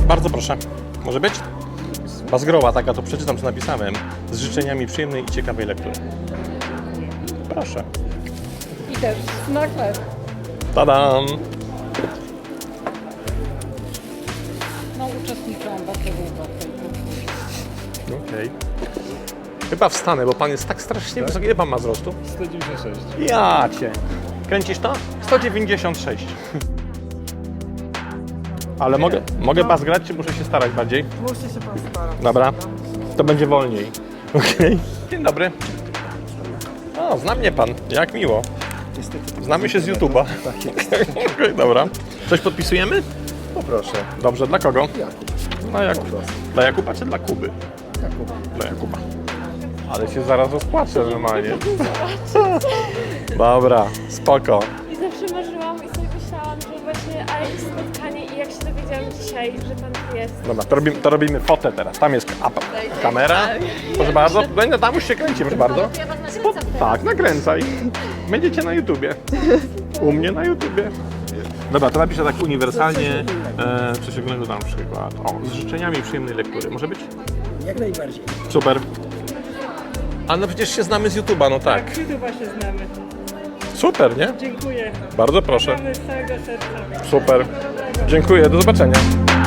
Bardzo proszę. Może być? Bazgrowa taka, to przeczytam, co napisałem. Z życzeniami przyjemnej i ciekawej lektury. Proszę. I też na chleb. Tadam! No uczestniczyłam bardzo długo w tej grupie. Okej. Chyba wstanę, bo pan jest tak strasznie wysoki. Ile pan ma wzrostu? 196. Ja cię. Kręcisz to? 196. Ale mogę bas grać, czy muszę się starać bardziej? Muszę się pan starać. Dobra, to będzie wolniej. Okej. Dzień dobry. O, zna mnie pan. Jak miło. Znamy się z YouTube'a. Okej, dobra. Coś podpisujemy? Poproszę. Dobrze, dla kogo? Jakub. Dla Jakuba. Dla Jakuba czy dla Kuby? Jakub. Dla Jakuba. Ale się zaraz rozpłaczę normalnie. Dobra, spoko. I zawsze marzyłam i sobie myślałam, że właśnie, a jakieś spotkanie i jak się dowiedziałam dzisiaj, że pan tu jest. Dobra, to robimy fotę teraz. Tam jest kamera. Proszę bardzo. No, tam już się kręci, proszę bardzo. Ja was nakręcam teraz. Tak, nakręcaj. Będziecie na YouTubie. U mnie na YouTubie. Dobra, to napiszę tak uniwersalnie. Przesiągnego na przykład. O, z życzeniami przyjemnej lektury. Może być? Jak najbardziej. Super. A no przecież się znamy z YouTuba, no tak. Chyba się znamy. Super, nie? Dziękuję. Bardzo proszę. Z całego serca. Super. Dziękuję, do zobaczenia.